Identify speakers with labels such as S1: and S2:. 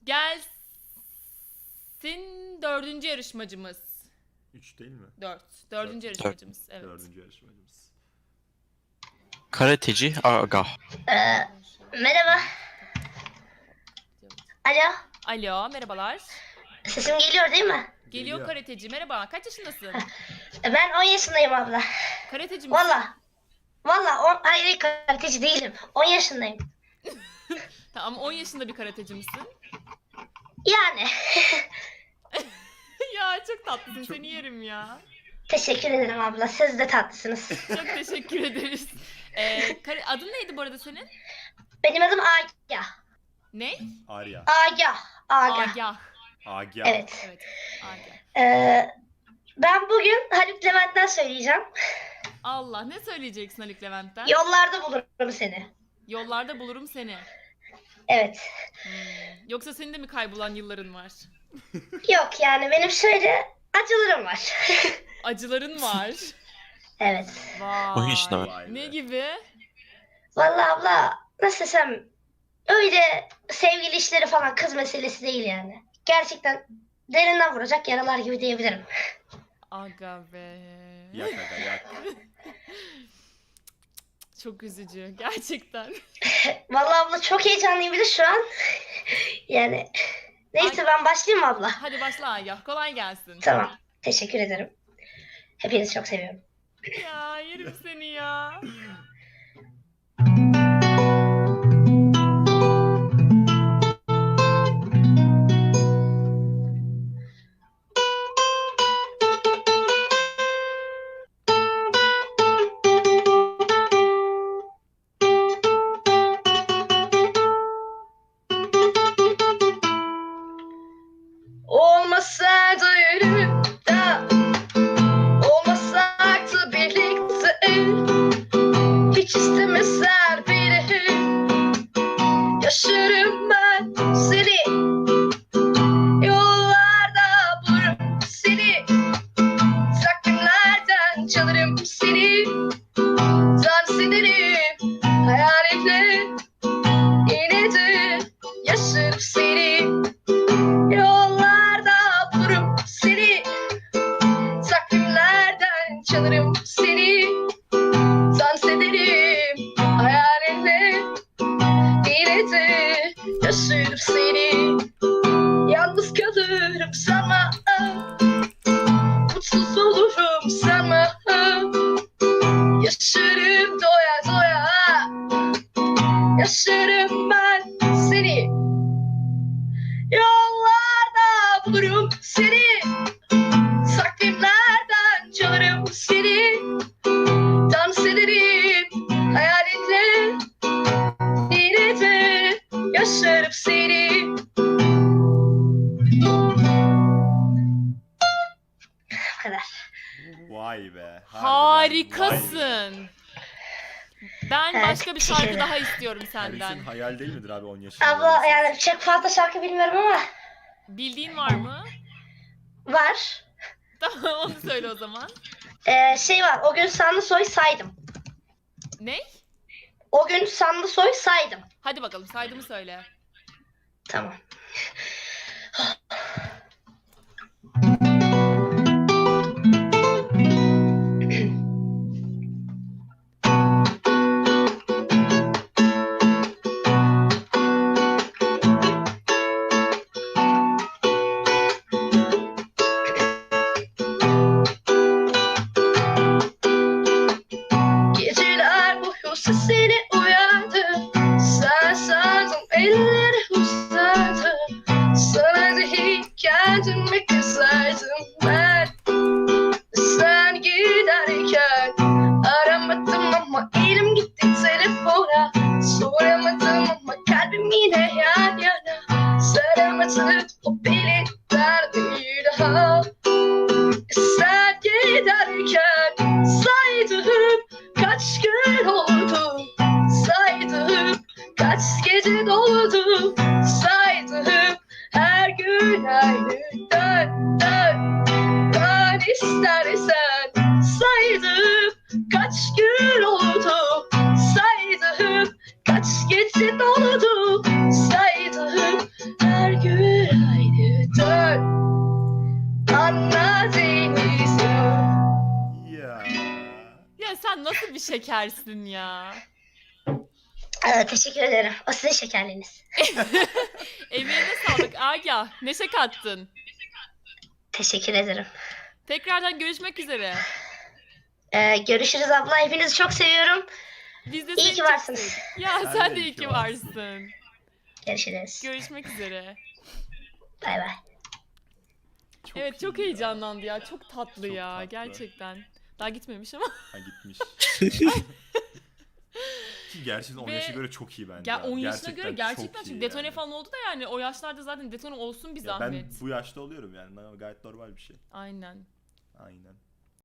S1: Gelsin dördüncü yarışmacımız.
S2: 3 değil mi?
S1: Dördüncü yarışmacımız. Evet.
S2: Dördüncü yarışmacımız.
S3: Karateci Aga.
S4: Merhaba. Alo.
S1: Alo, merhabalar.
S4: Sesim geliyor değil mi?
S1: Geliyor karateci. Merhaba. Kaç yaşındasın?
S4: Ben 10 yaşındayım abla.
S1: Karateci misin?
S4: Valla hayır karateci değilim. 10 yaşındayım.
S1: Tamam, 10 yaşında bir karateci misin?
S4: Yani.
S1: Ya çok tatlısın. Seni yerim ya.
S4: Teşekkür ederim abla. Siz de tatlısınız.
S1: Çok teşekkür ederiz. Adın neydi bu arada senin?
S4: Benim adım Agah.
S1: Ne?
S2: Arya.
S4: Agah.
S1: Agah.
S2: Agya.
S4: Evet.
S1: Evet. Agah.
S4: Ben bugün Haluk Levent'ten söyleyeceğim.
S1: Allah, ne söyleyeceksin Haluk Levent'ten?
S4: Yollarda bulurum seni.
S1: Yollarda bulurum seni.
S4: Evet.
S1: Yoksa senin de mi kaybolan yılların var?
S4: Yok yani benim şöyle acılarım var.
S1: Acıların var.
S4: Evet.
S1: Vay.
S3: 10 yaşında var.
S2: Vay be.
S1: Ne gibi?
S4: Vallahi abla nasıl desem öyle sevgili işleri falan kız meselesi değil yani. Gerçekten derinden vuracak yaralar gibi diyebilirim.
S1: Aga be.
S2: Yak aga yak.
S1: Çok üzücü gerçekten.
S4: Vallahi abla çok heyecanlıyım bir de şu an. Yani neyse ben başlayayım mı abla?
S1: Hadi başla Agah. Kolay gelsin.
S4: Tamam. Teşekkür ederim. Hepinizi çok seviyorum.
S1: Ya yerim seni ya.
S4: Olmasaydı yanımda, olmasaydı birlikte, hiç istemezler biri, yaşarım ben seni, yollarda bulurum seni, takvimlerden çalarım seni, dans ederim hayalinle, yine de yaşarım seni. Yollarda bulurum seni, takvimlerden çalarım seni, dans ederim hayalinle, yine de yaşarım seni. Yalnız kalırım sanma, mutsuz olurum sanma, yaşarım doya doya, yaşarım ben seni. Yollarda bulurum seni, takvimlerden çalarım seni, dans ederim hayalinle, yine de yaşarım seni. Bu kadar.
S2: Vay be. harbiden
S1: Harikasın. Ben
S4: Evet,
S1: başka bir
S4: teşekkür
S1: şarkı
S4: ederim.
S1: daha istiyorum
S2: Harbiden.
S1: senden.
S2: Hayal değil midir abi 10 yaşında?
S4: Abla yani çok fazla şarkı bilmiyorum ama
S1: Bildiğin var mı?
S4: var.
S1: Tamam, onu söyle o zaman.
S4: Şey var, o gün Sanlısoy saydım.
S1: Ne?
S4: O gün Sanlısoy saydım.
S1: Hadi bakalım, saydığımı söyle.
S4: Tamam. Geceler boyu sesini uyandı, sen sandım elleri uzadı, sana değil kendime kızardım ben. Sen giderken aramadım ama elim gitti telefona, soramadım ama kalbim yine yan yana, saramadım o beni bir daha. Sen giderken saydım kaç gün oldu, saydım kaç gece doldu, saydım her gün aynı dön dön dön istersen, saydım kaç gün oldu, saydım kaç gece doldu, saydım her gün
S1: bir şekersin ya.
S4: Teşekkür ederim. O sizin şekerliğiniz.
S1: Emeğine sağlık Agah. Neşe kattın.
S4: Teşekkür ederim.
S1: Tekrardan görüşmek üzere.
S4: Görüşürüz abla. Hepinizi çok seviyorum.
S1: Biz de
S4: İyi
S1: seni
S4: ki
S1: çok
S4: varsınız.
S1: sevdik. Ya sen de iyi ki varsın.
S4: Görüşürüz.
S1: Görüşmek üzere.
S4: Bay bay.
S1: Evet çok
S2: iyi ya.
S1: heyecanlandı ya. Çok tatlı
S2: Çok
S1: ya
S2: tatlı.
S1: gerçekten. Daha gitmemiş ama.
S2: Ha gitmiş. Ki gerçekten 10
S1: Ve-
S2: yaşına göre çok iyi bence.
S1: Ya
S2: abi.
S1: 10 yaşına göre gerçekten
S2: çok iyi
S1: çünkü detone
S2: yani.
S1: falan oldu da yani o yaşlarda zaten detone olsun bir
S2: Ya ben
S1: zahmet.
S2: bu yaşta oluyorum yani. Gayet normal bir şey.
S1: Aynen.
S2: Aynen.